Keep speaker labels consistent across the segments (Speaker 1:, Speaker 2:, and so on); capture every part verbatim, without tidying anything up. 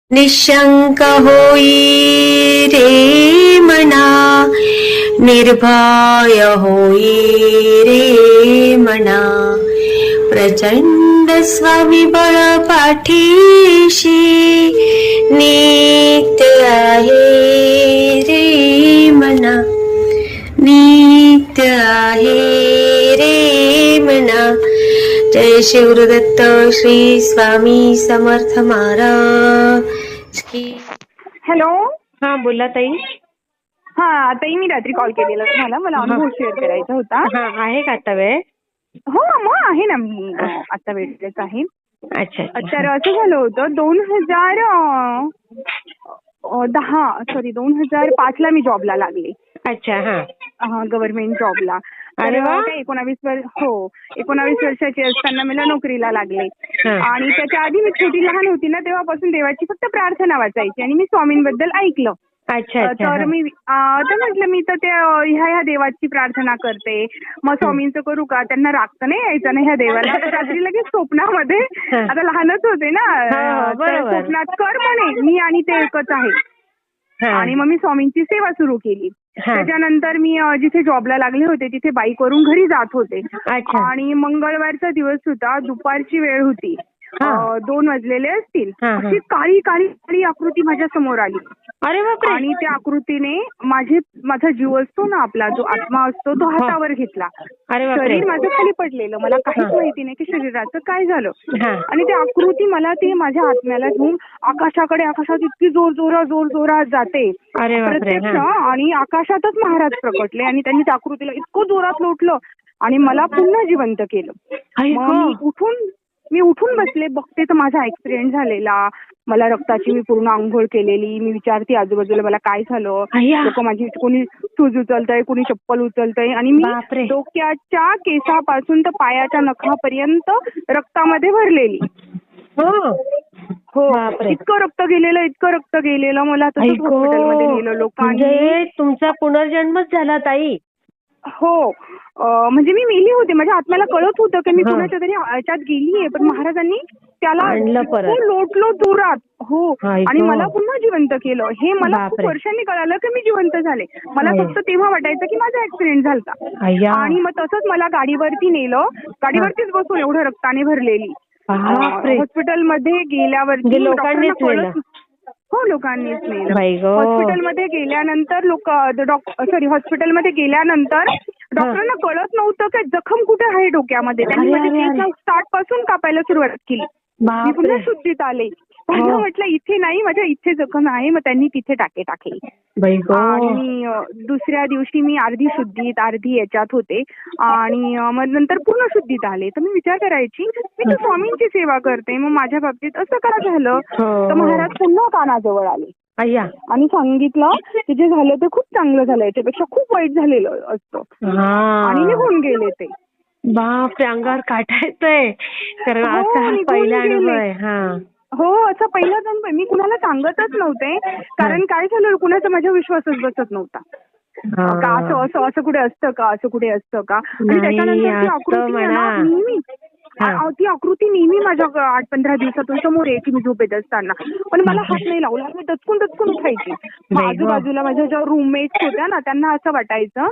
Speaker 1: निशंक होई रे मना, निर्भय होई रे मना, प्रचंड स्वविबळ पाठीशी नित्य आहे रे मना, नित्य आहे रे मना. जय शिवदत्त श्री स्वामी समर्थ महाराज की.
Speaker 2: हॅलो.
Speaker 1: हा बोला ताई.
Speaker 2: हा ताई, मी रात्री कॉल केलेला तुम्हाला, मला अनुभव शेअर करायचा होता.
Speaker 1: हा आहे का आता वेळ?
Speaker 2: हो मग आहे ना, मी आता वेळेच आहे.
Speaker 1: अच्छा
Speaker 2: तर असं झालं होतं, दोन हजार दहा सॉरी दोन हजार पाच ला मी जॉबला लागले.
Speaker 1: अच्छा. हा
Speaker 2: गव्हर्नमेंट जॉबला.
Speaker 1: अरे वा.
Speaker 2: काय एकोणावीस वर्ष हो एकोणावीस वर्षाची असताना मला नोकरीला लागले. आणि त्याच्या आधी मी छोटी लहान होती ना, तेव्हापासून देवाची फक्त प्रार्थना वाचायची आणि मी स्वामींबद्दल ऐकलं.
Speaker 1: अच्छा.
Speaker 2: तर मी तर म्हटलं मी तर त्या ह्या ह्या देवाची प्रार्थना करते, मग स्वामींचं करू का? त्यांना राग तर नाही यायचा ना ह्या देवाला. रात्री लगेच स्वप्नामध्ये, आता लहानच होते ना, तर स्वप्नात कर म्हणे मी आणि ते एकच आहे. आणि मग मी स्वामींची सेवा सुरू केली. त्याच्यानंतर मी जिथे जॉबला लागले होते तिथे बाईक वरून घरी जात होते. आणि मंगळवारचा दिवस होता, दुपारची वेळ होती, दोन वाजलेले असतील. अशी काळी काळी काळी आकृती माझ्या समोर आली.
Speaker 1: अरे बापरे.
Speaker 2: आणि त्या आकृतीने माझे माझा जीव असतो ना, आपला जो आत्मा असतो, तो हातावर घेतला. शरीर माझं खाली पडलेलं, मला काहीच माहिती नाही की शरीराचं काय झालं. आणि ती आकृती मला ते माझ्या आत्म्याला घेऊन आकाशाकडे, आकाशात इतकी जोर जोरात जोर जोरात जाते प्रत्यक्ष. आणि आकाशातच महाराज प्रकटले आणि त्यांनी त्या आकृतीला इतकं जोरात लोटलं आणि मला पुन्हा जिवंत केलं. मग मी उठून मी उठून बसले, बघते तर माझा ऍक्सिडेंट झालेला, मला रक्ताची मी पूर्ण आंघोळ केलेली. मी विचारते आजूबाजूला मला काय झालं, लोक माझी कोणी शूज उचलतंय, कोणी चप्पल उचलतंय. आणि मी डोक्याच्या केसापासून तर पायाच्या नखापर्यंत रक्तामध्ये भरलेली. हो, इतकं रक्त गेलेलं इतकं रक्त गेलेलं मला तसंच हॉस्पिटलमध्ये नेलं लोकांनी.
Speaker 1: तुमचा पुनर्जन्मच झाला ताई.
Speaker 2: हो, म्हणजे मी मेली होते, माझ्या आत्म्याला कळत होतं की मी कुणाच्या तरी ह्याच्यात गेलीये, पण महाराजांनी त्याला लोटलो जोरात. हो, आणि मला पुन्हा जिवंत केलं. हे मला खूप वर्षांनी कळालं की मी जिवंत झाले. मला फक्त तेव्हा वाटायचं की माझा ऍक्सिडेंट झाला. आणि मग तसंच मला गाडीवरती नेलं, गाडीवरतीच बसून एवढं रक्ताने भरलेली. हॉस्पिटलमध्ये गेल्यावरती लोकांना कळत. हो, लोकांनीच नेलं. हॉस्पिटलमध्ये गेल्यानंतर लोक सॉरी हॉस्पिटलमध्ये गेल्यानंतर डॉक्टरांना कळत नव्हतं की जखम कुठे आहे डोक्यामध्ये. त्यांनी माझ्या स्टार्ट पासून कापायला सुरुवात केली. मी पुन्हा शुद्धीत आले. त्यांना म्हटलं इथे नाही, माझ्या इथे जखम आहे. मग त्यांनी तिथे टाके टाकले. आणि दुसऱ्या दिवशी मी अर्धी शुद्धीत अर्धी याच्यात होते. आणि मग नंतर पूर्ण शुद्धीत आले. तर मी विचार करायची, मी तर स्वामींची सेवा करते, मग माझ्या बाबतीत असं का झालं? तर महाराज पुन्हा कानाजवळ आले आणि सांगितलं की जे झालं ते खूप चांगलं झालं, याच्यापेक्षा खूप वाईट झालेलं असतं. आणि निघून गेले ते.
Speaker 1: बाप, अंगावर काटा येतोय, कारण असा पहिला अनुभव आहे.
Speaker 2: हो, असं पहिलाच अनुभव. मी कुणाला सांगतच नव्हते, कारण काय झालं, कुणाचा माझ्या विश्वासच बसत नव्हता. का असं असं असं कुठे असतं का, असं कुठे असतं का. आणि त्याच्यानंतर ती आकृती नेहमी ती आकृती नेहमी माझ्या आठ पंधरा दिवसातून समोर यायची मी झोपेत असताना. पण मला हात नाही लावला, मी दचकून दचकून उठायची. आजूबाजूला माझ्या ज्या रूममेट्स होत्या ना, त्यांना असं वाटायचं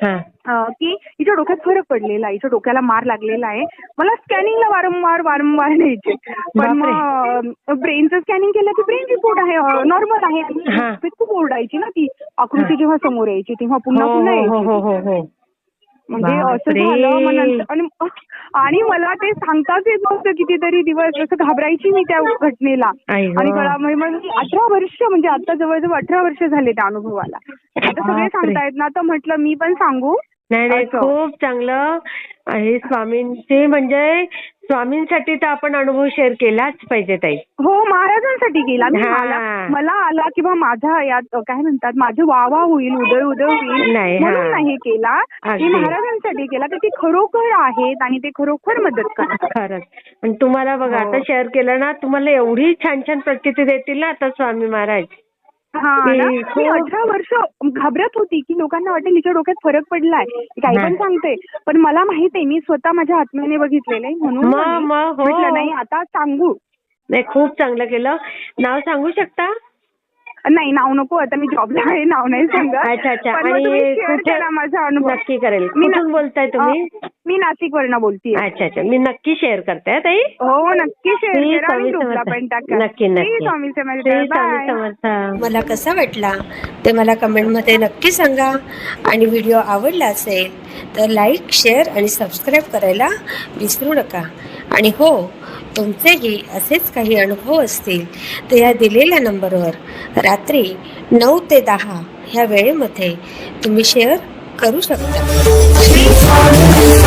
Speaker 2: की हिच्या डोक्यात फरक पडलेला आहे, हिच्या डोक्याला मार लागलेला आहे. मला स्कॅनिंगला वारंवार वारंवार न्यायचे. पण मग ब्रेनचं स्कॅनिंग केलं की ब्रेन रिपोर्ट आहे, नॉर्मल आहे. खूप ओरडायची ना ती आकृती जेव्हा समोर यायची तेव्हा पुन्हा पुन्हा यायची. म्हणजे असं झालं. आणि मला ते सांगताच येत नव्हतं. कितीतरी दिवस असं घाबरायची मी त्या घटनेला. आणि अठरा वर्ष म्हणजे आता जवळजवळ अठरा वर्ष झाले त्या अनुभवाला. आता सगळे सांगतायत ना, तर म्हटलं मी पण सांगू.
Speaker 1: नाही नाही, खूप चांगलं आहे. स्वामींचे म्हणजे स्वामींसाठी तर आपण अनुभव शेअर केलाच पाहिजे ताई.
Speaker 2: हो, महाराजांसाठी केला. मला आला किंवा माझा यात काय म्हणतात माझं वावा होईल, उदय उदय होईल म्हणून नाही केला, की महाराजांसाठी केला. तर ते खरोखर आहेत आणि ते खरोखर मदत करतात.
Speaker 1: खरंच. पण तुम्हाला बघा, आता शेअर केलं ना, तुम्हाला एवढी छान छान प्रचिती देतील ना आता स्वामी महाराज.
Speaker 2: हा, मी अठरा वर्ष घाबरत होती की लोकांना वाटेल हिच्या डोक्यात फरक पडलाय, काही पण सांगते. पण मला माहित आहे, मी स्वतः माझ्या आत्म्याने बघितलेलं आहे, म्हणून म्हटलं नाही आता सांगू.
Speaker 1: नाही, खूप चांगलं केलं. नाव सांगू शकता?
Speaker 2: नाही, नाव नको, आता मी जॉबला आहे, नाव नाही सांगत.
Speaker 1: अच्छा अच्छा.
Speaker 2: पण मग
Speaker 1: आणि
Speaker 2: तुम्ही share
Speaker 1: कुठे?
Speaker 2: करा माझा अनुभव.
Speaker 1: नक्की करेल.
Speaker 2: मी ना-
Speaker 1: कुठून बोलताय तुम्ही?
Speaker 2: अ, मी नाशिकवरनं बोलतीये.
Speaker 1: अच्छा अच्छा. मी नक्की शेअर करते हं, ताई.
Speaker 2: हो, नक्की शेअर
Speaker 1: श्री
Speaker 2: करा आणि
Speaker 1: स्वामी
Speaker 2: ग्रुपला
Speaker 1: समर्थ.
Speaker 2: पण टाका.
Speaker 1: नक्की
Speaker 2: श्री
Speaker 1: नक्की.
Speaker 2: स्वामी समर्थ.
Speaker 1: श्री स्वामी
Speaker 2: बाय.
Speaker 1: समर्थ.
Speaker 3: मला कसा वाटला ते मला कमेंटमध्ये नक्की सांगा. आणि व्हिडिओ आवडला असेल तर लाईक, शेअर आणि सबस्क्राईब करायला विसरू नका. आणि हो, तुमचेही असेच काही अनुभव असतील तर या दिलेल्या नंबरवर रात्री नऊ ते दहा ह्या वेळेमध्ये तुम्ही शेअर करू शकता.